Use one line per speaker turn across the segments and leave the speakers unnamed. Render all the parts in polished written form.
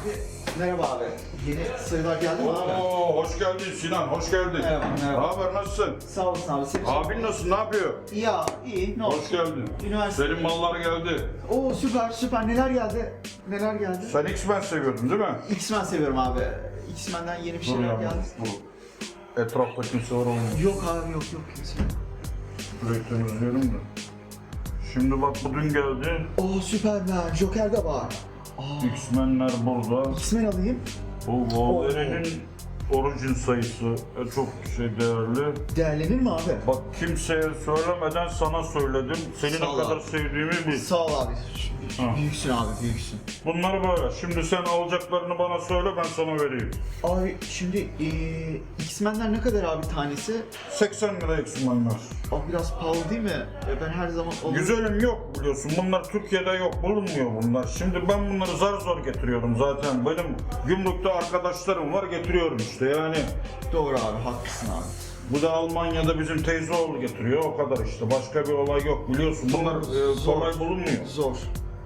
Merhaba abi. Yeni sayılar geldi mi abi?
Oo, hoş geldin Sinan, hoş geldin.
Merhaba, merhaba.
Ne haber, nasılsın?
Sağ olasın abi. Senin
Abin nasıl, ne yapıyor?
Ya iyi, ne olsun.
Hoş geldin.
Üniversite.
Senin mallar geldi.
Oo süper. Neler geldi? Neler geldi?
Sen X-Men seviyordun değil mi?
X-Men seviyorum abi. X-Men'den yeni bir şeyler geldi.
Bu etrafta kimse var olmuyor.
Yok abi yok kimse yok.
Burayı temizliyorum da. Şimdi bak bu dün geldi.
Oo Superman, Joker de var. Aa,
X-Men'ler burada.
X-Men alayım.
Bu Wolverine'in orijin sayısı çok değerli.
Değerlenir mi abi?
Bak kimseye söylemeden sana söyledim. Seni
Sağ ol
ne kadar
abi.
sevdiğimi bil.
Sağ ol abi.
Ha.
Büyüksün abi, büyüksün.
Bunları böyle. Şimdi sen alacaklarını bana söyle, ben sana vereyim.
Abi şimdi X-Men'ler ne kadar abi tanesi?
80 lira X-Men'ler.
Abi biraz pahalı değil mi? Ben her zaman alırım.
Güzelim yok biliyorsun. Bunlar Türkiye'de yok. Bulunmuyor bunlar. Şimdi ben bunları zar zor getiriyorum zaten. Benim gümrükte arkadaşlarım var, getiriyorum işte yani.
Doğru abi, haklısın abi.
Bu da Almanya'da bizim teyzeoğlu getiriyor. O kadar işte. Başka bir olay yok biliyorsun. Bunlar
Zor.
kolay bulunmuyor.
Zor.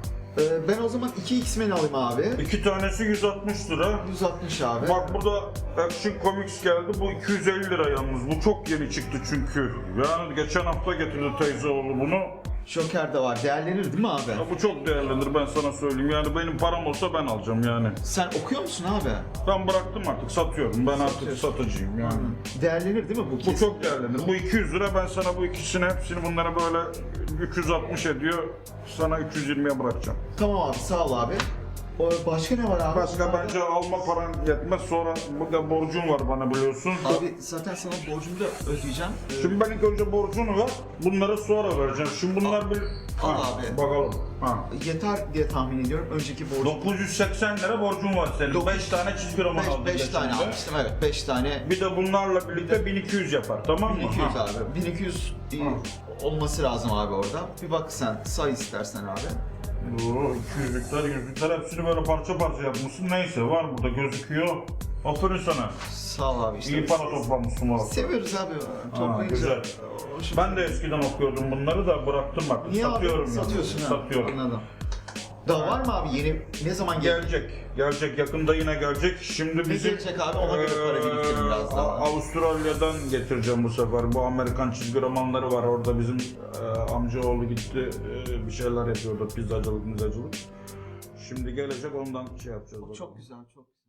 Ben o zaman 2 X-Men alayım abi.
İki tanesi 160 lira.
160 abi.
Bak burada Action Comics geldi. Bu 250 lira yalnız. Bu çok yeni çıktı çünkü. Yani geçen hafta getirdi teyzeoğlu bunu.
Joker de var. Değerlenir değil mi abi?
Ya bu çok değerlenir, ben sana söyleyeyim. Yani benim param olsa ben alacağım yani.
Sen okuyor musun abi?
Ben bıraktım artık, satıyorum. Ben artık
Satıyorsun.
satıcıyım yani.
Değerlenir değil mi bu
Bu
kesin?
çok değerlenir. Bu 200 lira, ben sana bu ikisini hepsini bunlara böyle 360 ediyor. Sana 320'ye bırakacağım.
Tamam abi, sağ ol abi. Başka ne var abi?
Başka bence alma paran yetmez. Sonra burada borcun var bana biliyorsun.
Abi zaten sana borcumu da ödeyeceğim.
Şimdi ben ilk önce borcunu ver, bunları sonra vereceğim. Şimdi bunlar bir...
Al
Ha,
abi.
Bakalım. Ha.
Yeter diye tahmin ediyorum. Önceki borcum.
980 lira borcun var senin. 5 tane çizgi roman aldın.
5 tane
geçen de.
almıştım, evet 5 tane.
Bir de bunlarla birlikte 1200 yapar, tamam mı?
1200
Ha.
abi. 1200 olması lazım abi orada. Bir bak sen, say istersen abi.
Oo, 200'lükler, 100'lükler hepsini böyle parça parça yapmışsın. Neyse var burada gözüküyor. Aferin sana.
Sağ ol abi işte.
İyi para toplamışsın valla.
Seviyoruz abi. Toplayınca.
güzel. Ben de eskiden okuyordum bunları da bıraktım artık.
Niye
Satıyorum
abi?
yani.
Satıyorsun ha.
Satıyorum.
Anladım. Daha var mı abi yeni? Ne zaman gelecek?
Gelecek. Yakında yine gelecek. Şimdi bizim...
gelecek abi? Ona göre para biriktirin biraz daha.
Avustralya'dan getireceğim bu sefer. Bu Amerikan çizgi romanları var. Orada bizim amcaoğlu gitti. Bir şeyler yapıyordu. Pizzacılık. Şimdi gelecek, ondan şey yapacağız.
Çok güzel, çok güzel.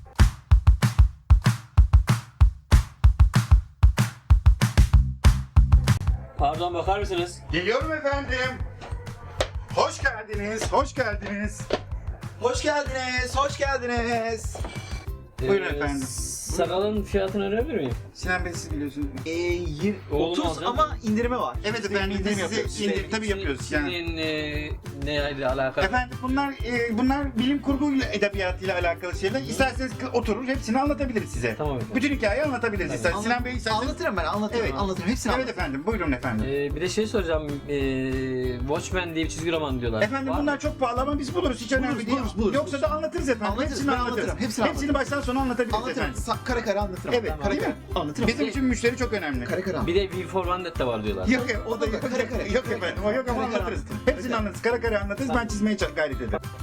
Pardon, bakar mısınız?
Geliyorum efendim. Hoş geldiniz, hoş geldiniz.
Hoş geldiniz, hoş geldiniz.
Buyurun efendim.
Sakalın fiyatını öğrenebilir miyim?
Sinan Bey siz biliyorsunuz.
Oğlum
30
alacağım.
ama indirime var.
Evet efendim,
indirim
size
yapıyoruz.
tabii yapıyoruz yani.
Senin neyle alakalı?
Efendim bunlar bilim kurgu edebiyatıyla alakalı şeyler. İsterseniz oturur hepsini anlatabiliriz size.
Tamam efendim.
Bütün hikayeyi anlatabiliriz isterseniz. Sinan Bey isterseniz.
Anlatırım ben, anlatırım.
Evet.
Anlatırım, hepsini
Evet
anlatırım.
efendim, buyurun efendim.
Bir de şey soracağım. Watchmen diye bir çizgi roman diyorlar.
Efendim
Var
bunlar
mı?
çok pahalı ama biz buluruz, hiç önemli değil.
buluruz.
Yoksa da anlatırız efendim.
Anlatırız,
Hepsini
ben
anlatırız.
anlatırım, hepsini
Hepsini baştan sona anlatabiliriz
Anlatırım,
efendim.
kare kare anlatırım.
Evet,
Ben
değil mi?
anlatırım.
Bizim için müşteri çok önemli.
Kare kare
Bir de V for Vendetta var diyorlar.
Yok o da yok.
Kare kare.
Yok efendim, o yok ama
Kare kare
anlatırız.
anlatırım.
Hepsini anlatırız. Kara kara anlatırız, ben çizmeye gayret ederim.